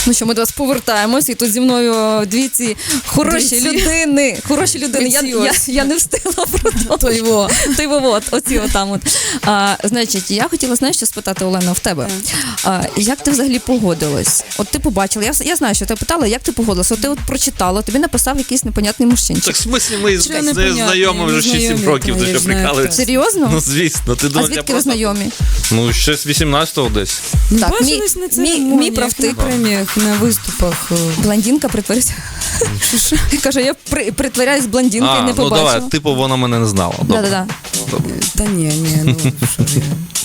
Ну що, ми до вас повертаємось, і тут зі мною дві ці хороші людини. Я не встигла про то. Оці отам от. Значить, я хотіла, знаєш, що спитати, Олена, в тебе. Як ти взагалі погодилась? От ти побачила, я знаю, що ти питала, як ти погодилась? От ти от прочитала, тобі написав якийсь непонятний мужчинчик. Так, в смислі, ми з нею знайомі вже 6-7 років, ти що прикалуєшся? Серйозно? Ну, звісно. А звідки ви знайомі? Ну, ще з 18-го десь. Так, бачились на церемоніях, мій правтик. на преміях, на виступах. Блондинка притворюється. Каже, я притворяюсь блондинкою, не побачила. Ну давай, типу вона мене не знала. Да. Та ні, ну що ж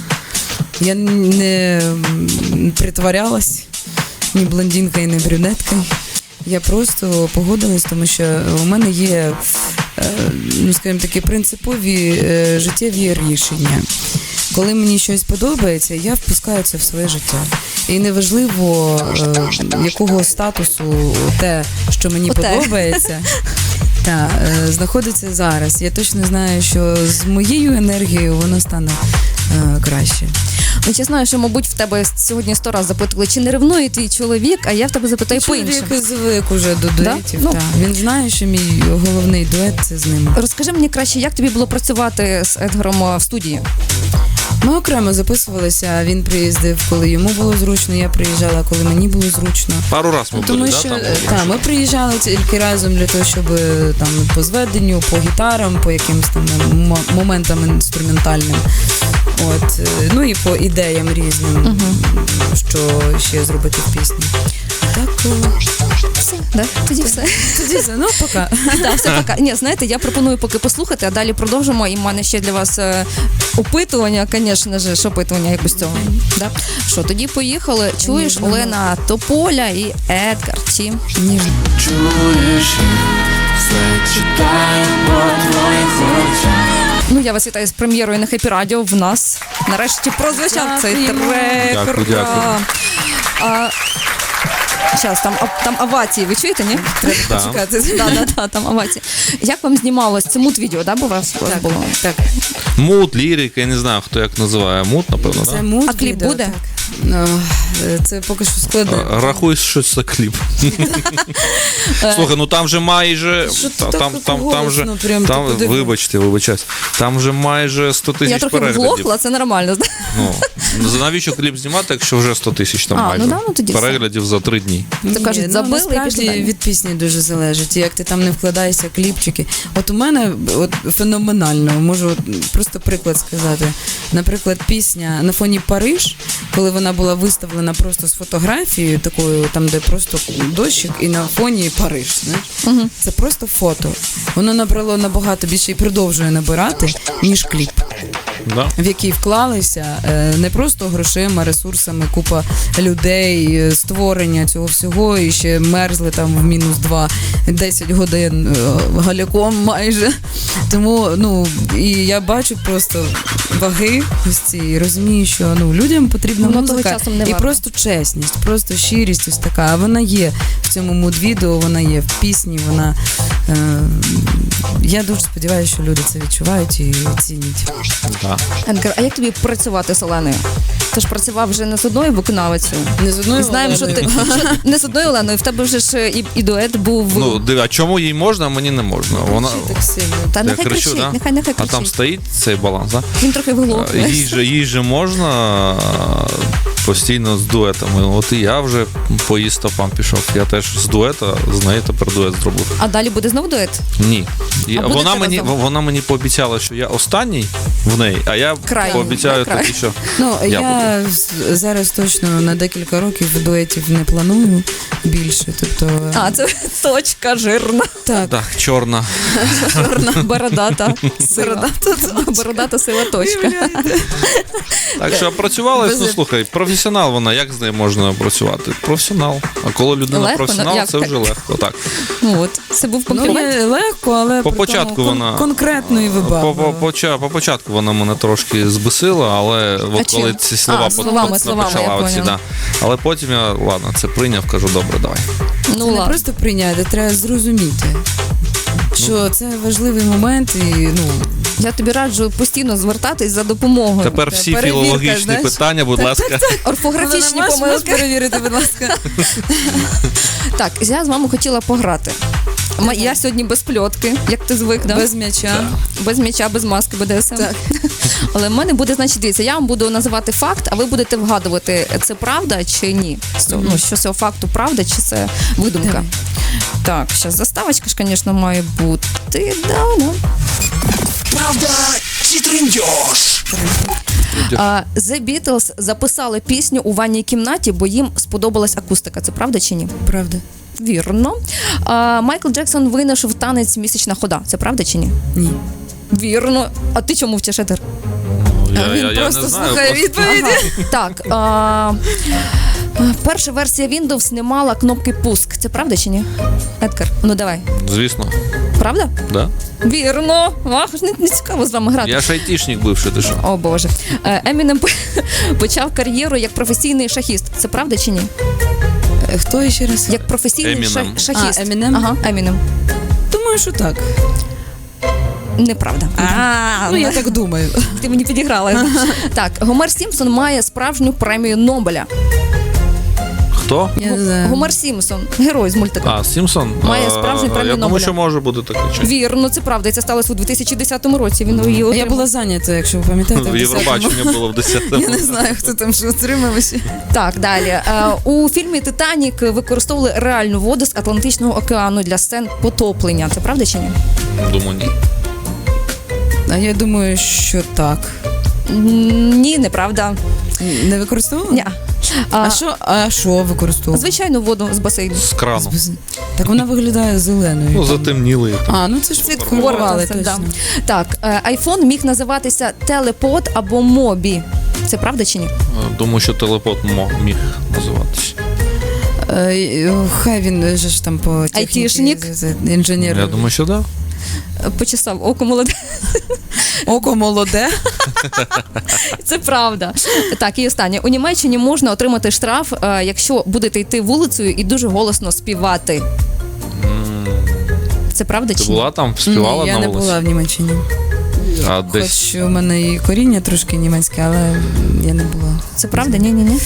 я не притворялась ні блондинкою, ні брюнеткою. Я просто погодилась, тому що у мене є, ну скажімо, такі принципові життєві рішення. Коли мені щось подобається, я впускаю це в своє життя. І неважливо, якого статусу те, що мені подобається, знаходиться зараз. Я точно знаю, що з моєю енергією воно стане краще. Ну, я знаю, що, мабуть, в тебе сьогодні 100 разів запитували, чи не ревнує твій чоловік, а я в тебе запитаю по-іншому. Чоловік звик уже до дуетів, да? Він знає, що мій головний дует – це з ним. Розкажи мені краще, як тобі було працювати з Едгаром в студії? Ми окремо записувалися, він приїздив, коли йому було зручно, я приїжджала, коли мені було зручно. Пару раз ми були, ми приїжджали тільки разом для того, щоб там по зведенню, по гітарам, по якимось там моментам інструментальним. От, ну і по ідеям різним, що ще зробити в пісні. Так, все, да? Тоді все. Ну, пока. Так, все, пока. Ні, знаєте, я пропоную поки послухати, а далі продовжимо. І в мене ще для вас опитування, звісно ж, опитування як без цього. Да? Що, тоді поїхали. Чуєш, Олена Тополя і Едгар Ті. Ніжно. Чуєш, все читаю по твоїх очах. Ну, я вас вітаю з прем'єрою на Хеппі Радіо. В нас нарешті прозвучав цей трек. Дякую. Зараз, там овації, ви чуєте, ні? Треба почекати. Да, там овації. Як вам знімалось? Це мут-відео, да, у вас було? Так. Мут, лірика, я не знаю, хто як називає. Мут, напевно, Це так? мут. А кліп буде? Так. Це поки що складно. Рахуй, що це кліп. Слухай, ну там же майже... Вибачаюсь. Там же майже 100 тисяч переглядів. Я трохи вглохла, це нормально. Ну, навіщо кліп знімати, якщо вже 100 тисяч там майже переглядів за 3 дні? То кажуть, забили і пішли далі. Від пісні дуже залежить. Як ти там не вкладаєшся, кліпчики. От у мене феноменально, можу просто приклад сказати. Наприклад, пісня «На фоні Париж», коли вона була виставлена просто з фотографією такою, там де просто дощик і на фоні Париж, знаєш? Це просто фото. Воно набрало набагато більше і продовжує набирати, ніж кліп. Да. В який вклалися не просто грошима, ресурсами, купа людей, створення цього всього, і ще мерзли там в -2, 10 годин галяком майже. Тому, і я бачу просто ваги ось ці, розумію, що людям потрібна музика і просто чесність, просто щирість ось така. А вона є в цьому муд-відео, вона є в пісні, вона... Я дуже сподіваюся, що люди це відчувають і цінять. Да. Едгар, а як тобі працювати з Оленою? Ти ж працював вже не з одною виконавицею. Не з одною Знаємо, що ти не з одною Оленою, в тебе вже ж і дует був. Ну, а чому їй можна, а мені не можна? Вона... Так сильно. Та нехай кричу, кричить, да? нехай кричить. А там стоїть цей баланс, так? Він трохи виглохне. Їй же можна постійно з дуетами. От і я вже по її стопам пішов. Я теж з дуета, з нею тепер дует зробив. А далі буде знову дует? Ні. Вона мені пообіцяла, що я останній в неї, а я пообіцяю тобі, що я зараз точно на декілька років дуетів не планую більше. Тобто... це точка жирна. Так, чорна. Чорна, бородата сила. Бородата сила точка. Так що працювала, слухай, професіонал вона, як з нею можна працювати? Професіонал. А коли людина професіонал, це вже легко. Так. От, це був комплімент. Легко, але по початку вона конкретно і вибагливо. По початку вона мене трошки збесила, але от коли ці слова почала оці, да. Але потім я, ладно, це прийняв, кажу, добре, давай. Це не просто прийняти, треба зрозуміти, що це важливий момент і, Я тобі раджу постійно звертатись за допомогою. Тепер всі філологічні питання, будь ласка. Орфографічні Можеш помилки. перевірити, будь ласка. Так, я з вами хотіла пограти. Я сьогодні без пльотки, як ти звик, да? Без м'яча. Без м'яча, без маски, БДСМ. Так. Але в мене буде, значить, дивіться, я вам буду називати факт, а ви будете вгадувати, це правда чи ні. Ну, що з цього факту правда, чи це видумка. Давай. Так, зараз заставочка ж, звісно, має бути. Да. Правда чи трендьош? The Beatles записали пісню у ванній кімнаті, бо їм сподобалась акустика. Це правда чи ні? Правда. Вірно. Майкл Джексон винайшов танець «Місячна хода». Це правда чи ні? Ні. Вірно. А ти чому вчиш, Едгар? Я Просто не знаю. слухає відповіді. Так. Перша версія Windows не мала кнопки пуск. Це правда чи ні? Едгар, ну давай. Звісно, Правда? да. Вірно. Ах, не цікаво з вами грати. Я ж айтішник бивший, ти що? О, Боже. Емінем почав кар'єру як професійний шахіст. Це правда чи ні? Хто ще раз? Як професійний Eminem. шахіст. Eminem? Ага, Емінем. Думаю, що так. Неправда. Ну, я так думаю. Ти мені підіграла. Так, Гомер Сімпсон має справжню премію Нобеля. Хто? Я не знаю. Гомер Сімпсон, герой з мультика. Сімпсон? Має справжню премію Я думаю, Нобеля. що може бути таке. Чи? Вірно, це правда. І це сталося у 2010 році. Він її Я отримав. була зайнята, якщо ви пам'ятаєте. В Євробачення було в 10-му. Я не знаю, хто там що отримав. Так, далі. У фільмі «Титанік» використовували реальну воду з Атлантичного океану для сцен потоплення. Це правда чи ні? Думаю, ні. А я думаю, що так. Ні, неправда. Не використовували? Ні. А що використовували? Звичайну воду з басейну. З крану. Так вона виглядає зеленою. Ну, затемніли. Ну це ж Світло, відкривали це, точно. да. Так, айфон міг називатися телепод або мобі. Це правда чи ні? Думаю, що телепот міг називатися. Хай він же ж там по техніці, Айтішник. інженер. Я думаю, що так. Почесав око молоде. Око молоде. Це правда. Так, і останнє. У Німеччині можна отримати штраф, якщо будете йти вулицею і дуже голосно співати. Це правда Ти чи ні? була там, співала Ні, я на не вулиці? була в Німеччині. А десь... Хоч у мене і коріння трошки німецьке, але я не була. Це правда? Ні.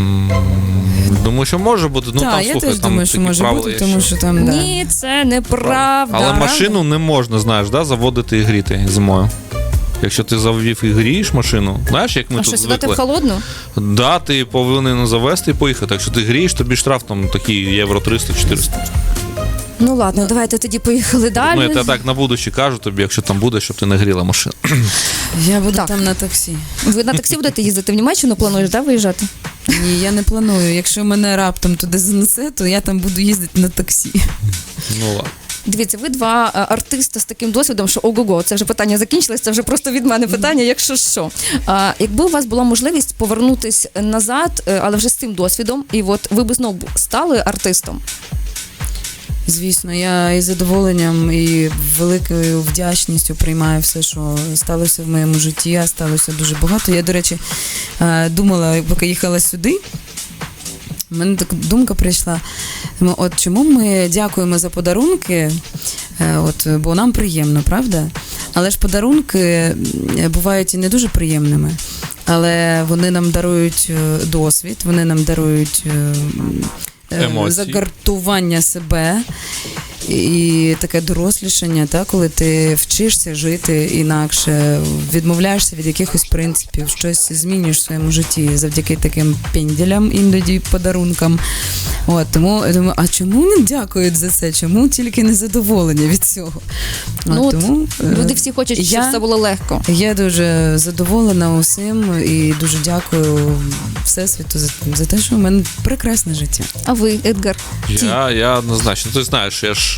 Думаю, що може бути. Ну, Так, там, я слухай, теж там думаю, що такі може правила бути, є, тому що там, да. Ні, це неправда. Але машину не можна, знаєш, да, заводити і гріти зимою. Якщо ти завів і грієш машину, знаєш, як ми А тут що, сідати в звикли? холодну? Да, ти повинен завести і поїхати. Якщо ти грієш, тобі штраф там такий євро 300-400. Ну ладно, давайте тоді поїхали далі. Ну, я так на будущее кажу тобі, якщо там буде, щоб ти не гріла машину. Я буду Так. там на таксі. Ви на таксі будете їздити в Німеччину, плануєш, да, виїжджати? Ні, я не планую. Якщо мене раптом туди занесе, то я там буду їздити на таксі. Ну ладно. Дивіться, ви два артиста з таким досвідом, що ого-го, це вже питання закінчилось, це вже просто від мене питання, якщо що. Якби у вас була можливість повернутись назад, але вже з цим досвідом, і от ви б знову стали артистом? Звісно, я із задоволенням і великою вдячністю приймаю все, що сталося в моєму житті, а сталося дуже багато. Я, до речі, думала, поки їхала сюди, в мене така думка прийшла, от чому ми дякуємо за подарунки, бо нам приємно, правда? Але ж подарунки бувають і не дуже приємними, але вони нам дарують досвід, вони нам дарують емоції, загартування себе і таке дорослішання, коли ти вчишся жити інакше, відмовляєшся від якихось принципів, щось змінюєш в своєму житті завдяки таким пенділям, іноді подарункам. Тому я думаю, а чому не дякують за це? Чому тільки незадоволення від цього? Тому люди всі хочуть, щоб все було легко. Я дуже задоволена усім і дуже дякую Всесвіту за те, що в мене прекрасне життя. А ви, Едгар? Я однозначно. Ти знаєш, я ж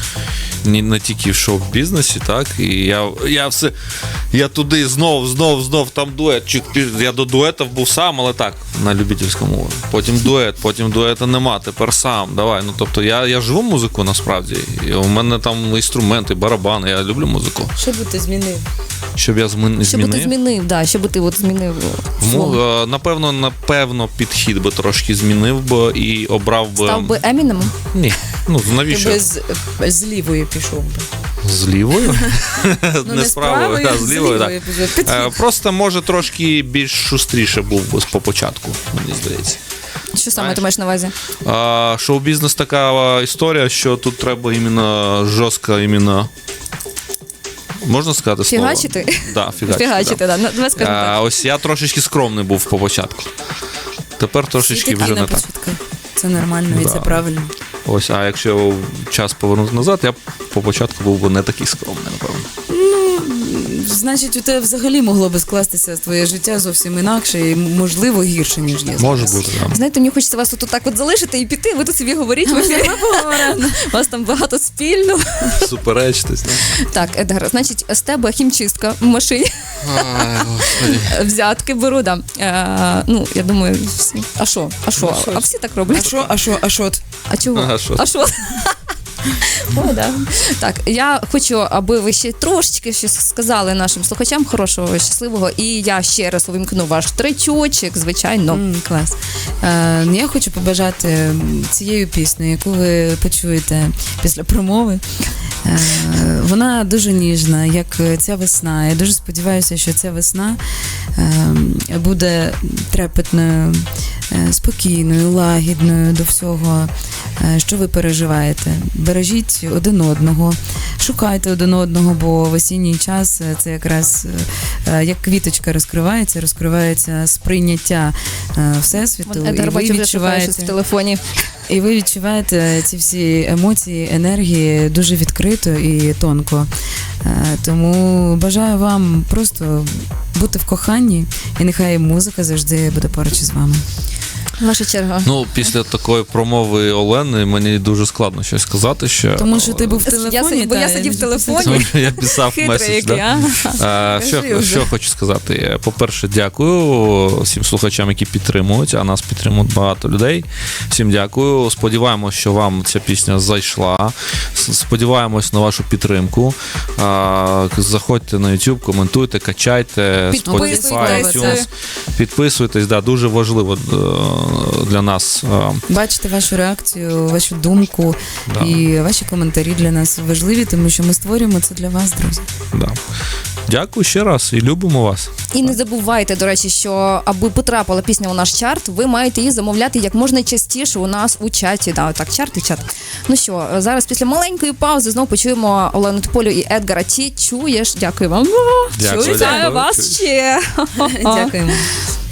не тільки в шоу-бізнесі, так? І я туди знов там дуетчик. Я до дуетів був сам, але так, на любительському. Потім дуета нема, тепер сам. Давай. Ну, тобто я живу музику насправді. І у мене там інструменти, барабани, я люблю музику. Що би ти змінив? Щоб я змінив? Що би ти змінив, да, що би ти змінив? Напевно, підхід би трошки змінив би і обрав би... Став би Емінемом? Ні. Ну, навіщо? Ти би з лівої пішов би. З лівою? Не з правою, а з лівою, так. так. Просто, може, трошки більш шустріше був би по початку, мені здається. Що саме ти маєш на увазі? Шоу-бізнес така історія, що тут треба іменно жорстко, іменно... Можна сказати слово? Фігачити? Да, Фігачити, да. Давай скажемо так. Ось я трошечки скромний був по початку. Тепер трошечки вже не так. Це нормально і це правильно. Ось, а якщо час повернути назад, я по початку був би не такий скромний, напевно. Значить, у тебе взагалі могло би скластися твоє життя зовсім інакше і, можливо, гірше, ніж є. Може бути, так. Знаєте, мені хочеться вас тут так от залишити і піти, ви тут собі говоріть. У вас там багато спільного. Суперечитись, Так, Едгар, значить, з тебе хімчистка в машині. Взятки беру, да. Ну, я думаю, всі. А що? А всі так роблять. А що? А чого? А що? О, да. Так, я хочу, аби ви ще трошечки щось сказали нашим слухачам хорошого, щасливого, і я ще раз увімкну ваш тречочок, звичайно. Клас. Я хочу побажати цією піснею, яку ви почуєте після промови. Вона дуже ніжна, як ця весна. Я дуже сподіваюся, що ця весна буде трепетною, спокійною, лагідною до всього, що ви переживаєте. Бережіть один одного, шукайте один одного, бо в осінній час це якраз як квіточка розкривається сприйняття Всесвіту. Едгар, бачу, вже шукає щось в телефоні. І ви відчуваєте ці всі емоції, енергії дуже відкрито і тонко. Тому бажаю вам просто бути в коханні, і нехай музика завжди буде поруч із вами. Ваша черга. Ну, після такої промови Олени мені дуже складно щось сказати ще. Тому що ти був в телефоні. Бо я сидів в телефоні. Тому що я писав меседж. Що хочу сказати? По-перше, дякую всім слухачам, які підтримують, а нас підтримують багато людей. Всім дякую. Сподіваємось, що вам ця пісня зайшла. Сподіваємось на вашу підтримку. Заходьте на YouTube, коментуйте, качайте, Spotify, iTunes. Підписуйтесь, да, дуже важливо для нас. Бачите вашу реакцію, вашу думку і ваші коментарі для нас важливі, тому що ми створюємо це для вас, друзі. Да. Дякую ще раз і любимо вас. І не забувайте, до речі, що аби потрапила пісня у наш чарт, ви маєте її замовляти як можна частіше у нас у чаті. Да, так, чарт і чат. Ну що, зараз після маленької паузи знову почуємо Олену Тополю і Едгара. Чи чуєш? Дякую вам. Дякую. Чую вас ще. Дякуємо.